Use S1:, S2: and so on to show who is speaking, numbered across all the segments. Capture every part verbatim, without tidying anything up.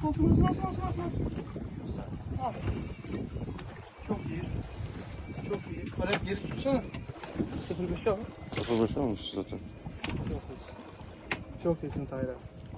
S1: alsın alsın alsın alsın alsın alsın. Al. Çok iyi. Çok iyi. Kalep geri tutsana. sıfır beşe al.
S2: sıfır beş olmuş zaten.
S1: Çok iyisin. Çok iyisin Tayra.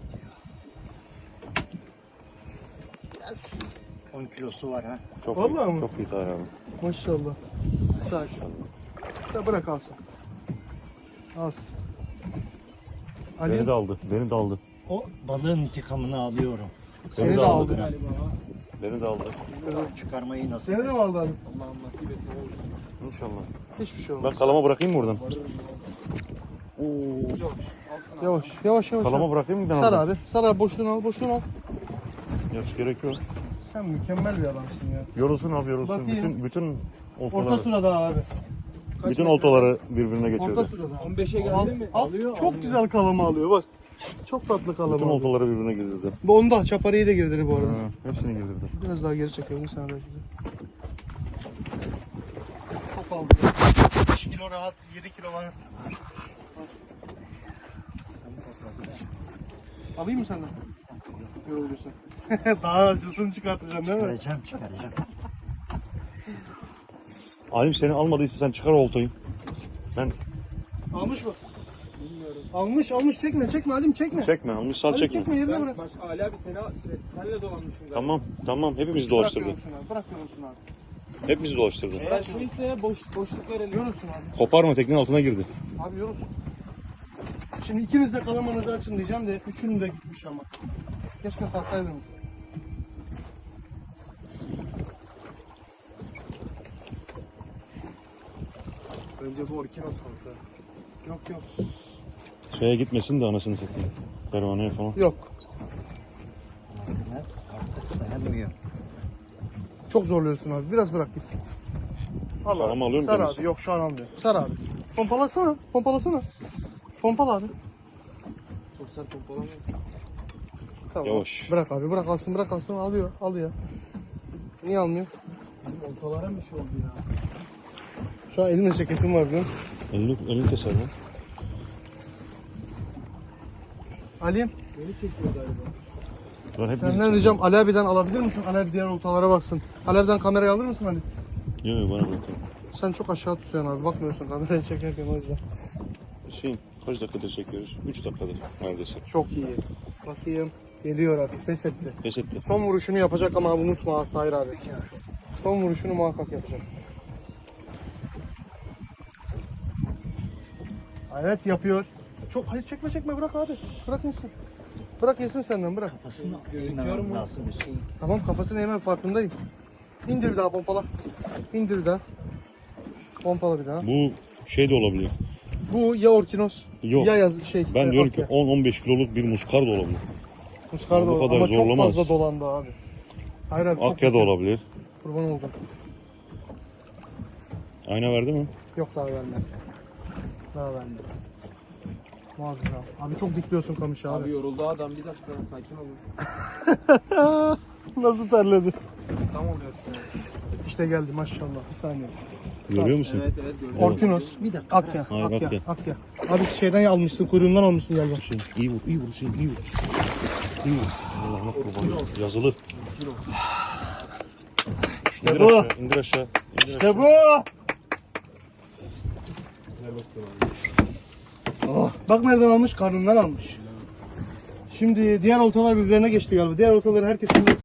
S1: Yes.
S3: on kilosu var ha.
S2: Çok
S1: Vallahi
S2: iyi.
S1: mi?
S2: Çok iyi Tahir abi.
S1: Maşallah. Sakin. Ya bırak alsın. Alsın. Ali,
S2: Beni de aldı. Beni de aldı.
S3: O balığın intikamını alıyorum.
S1: seni
S2: Beni
S1: de
S2: de
S1: aldı.
S2: aldı. Beni de aldı.
S3: Çıkarmayı nasıl?
S1: Seni de mi aldı Ali?
S4: Allah'ım nasip et ne olursun.
S2: İnşallah.
S1: Hiçbir şey
S2: Ben
S1: olmaz.
S2: kalama bırakayım mı buradan? Oo.
S1: Yavaş yavaş yavaş.
S2: Kalama bırakayım mı ben
S1: Sar
S2: oradan?
S1: abi. Sar abi boşluğunu al boşluğunu al.
S2: Yok gerek yok.
S1: Sen mükemmel bir adamsın ya.
S2: Yorulsun abi yorulsun.
S1: Bakayım.
S2: Bütün bütün
S1: Orta
S2: oltaları.
S1: sırada abi.
S2: Bütün oltaları birbirine
S1: Orta
S2: geçirdi.
S1: sırada.
S4: on beşe
S1: Al,
S4: geldi mi?
S1: al.
S4: Alıyor.
S1: Çok
S4: alıyor.
S1: güzel kalama alıyor bak. Çok tatlı kalama
S2: Bütün
S1: alıyor.
S2: oltaları birbirine girdirdi.
S1: Bu onda çaparıyı da girdi bu arada.
S2: Ha, hepsini girdirdi.
S1: Biraz daha geri çekelim sen belki de. Çok aldı. beş kilo rahat, yedi kilo var. Alayım mı senden? Yoruluyorsun. Daha acısını çıkartacaksın değil mi?
S3: Çıkaracağım çıkaracağım.
S2: Alim seni almadıysa sen çıkar oltayı. Ben
S1: Almış mı? Bilmiyorum. Almış almış çekme çekme Halim çekme.
S2: çekme almış sal
S1: Halim
S2: çekme.
S1: çekme yerine
S4: Ben
S1: bırak.
S4: baş, Ali abi seni, senle dolanmışım galiba.
S2: Tamam tamam hepimizi
S1: Bırak
S2: dolaştırdı.
S1: yorulsun abi. Bırak yorulsun abi.
S2: Hepimizi dolaştırdı.
S4: Eğer şeyse boş, boşluk verelim.
S1: Yorulsun abi.
S2: Koparma teknenin altına girdi.
S1: Abi yorulsun. Şimdi ikiniz de kalamanızı açın diyeceğim de üçünün de gitmiş ama. Keşke sarsaydınız.
S4: Önce bu orkinos kanka.
S1: Yok yok.
S2: Şeye gitmesin de anasını satayım. Pervaneye falan.
S1: Yok.
S3: Artık dayanmıyor.
S1: Çok zorluyorsun abi. Biraz bırak gitsin. Al
S2: Sar ama alıyorum
S1: Sar
S2: kendisi.
S1: abi. Yok şu an almıyor. Sar abi. Pompalasana. Pompalasana. Pompala abi.
S4: Çok sert pompalamıyor.
S1: Tamam.
S2: Yavaş.
S1: Bırak abi. Bırak alsın. Bırak alsın. Alıyor. Alıyor. Niye almıyor?
S4: Bizim oltalara bir şey oldu ya.
S1: Şu an elimde çekesim var biliyor musun?
S2: Elini, elini keser lan.
S4: Beni
S1: Ali'm
S4: çekiyor galiba.
S2: Ben hep
S1: senden ricam Ali abi'den alabilir misin? Ali abi diğer oltalara baksın. Ali abi'den kamerayı alır mısın Ali?
S2: Yok yok bana bırak.
S1: Sen çok aşağı tutuyorsun abi. Bakmıyorsun kamerayı çekerken o yüzden.
S2: Şey, kaç dakikadır çekiyoruz? üç dakikadır neredeyse.
S1: Çok iyi. Bakayım. Geliyor abi. Pes etti.
S2: Pes etti.
S1: Son vuruşunu yapacak ama unutma Tahir abi. Son vuruşunu muhakkak yapacak. Evet yapıyor. Çok hayır çekme çekme bırak abi. Bırak yesin. Bırak yesin senden bırak.
S3: Kafasını
S4: Gözüküyor mu?
S3: lazım bir şey.
S1: Tamam kafasını hemen farkındayım. İndir bir daha pompala. İndir bir daha. Pompala bir daha.
S2: Bu şey de olabilir.
S1: Bu ya orkinos
S2: Yok.
S1: ya yaz şey.
S2: Ben
S1: e,
S2: diyorum
S1: akya.
S2: ki on on beş kiloluk bir muskar da olabilir.
S1: Muskar da
S2: bu
S1: olur
S2: kadar
S1: ama çok
S2: zorlamaz.
S1: fazla dolandı abi. Hayır abi çok
S2: Akya da
S1: kötü.
S2: olabilir.
S1: Kurban oldum.
S2: Ayna verdi mi?
S1: Yok daha vermedi. Daha vermedi. Muazzam. Abi çok dikliyorsun kamışı abi.
S4: Abi yoruldu adam, bir dakika sakin olun.
S1: Nasıl terledi?
S4: Tam oluyor.
S1: İşte geldi maşallah. Bir saniye.
S2: Görüyor musun?
S4: Evet evet gördüm.
S1: Orkinos.
S3: Bir dakika.
S1: Akya.
S2: Hayır,
S1: Akya.
S2: akya.
S1: Akya. Abi şeyden almışsın. Kuyruğundan almışsın galiba.
S2: Hüseyin iyi vur, iyi vur Hüseyin, iyi vur. İyi vur. Allah'ına kurban olayım. Yazılı. İndir
S1: bu.
S2: aşağı, indir aşağı. İndir aşağı.
S1: İşte bu. Oh, bak nereden almış? Karnından almış. Şimdi diğer oltalar birbirlerine geçti galiba. Diğer oltaları herkesin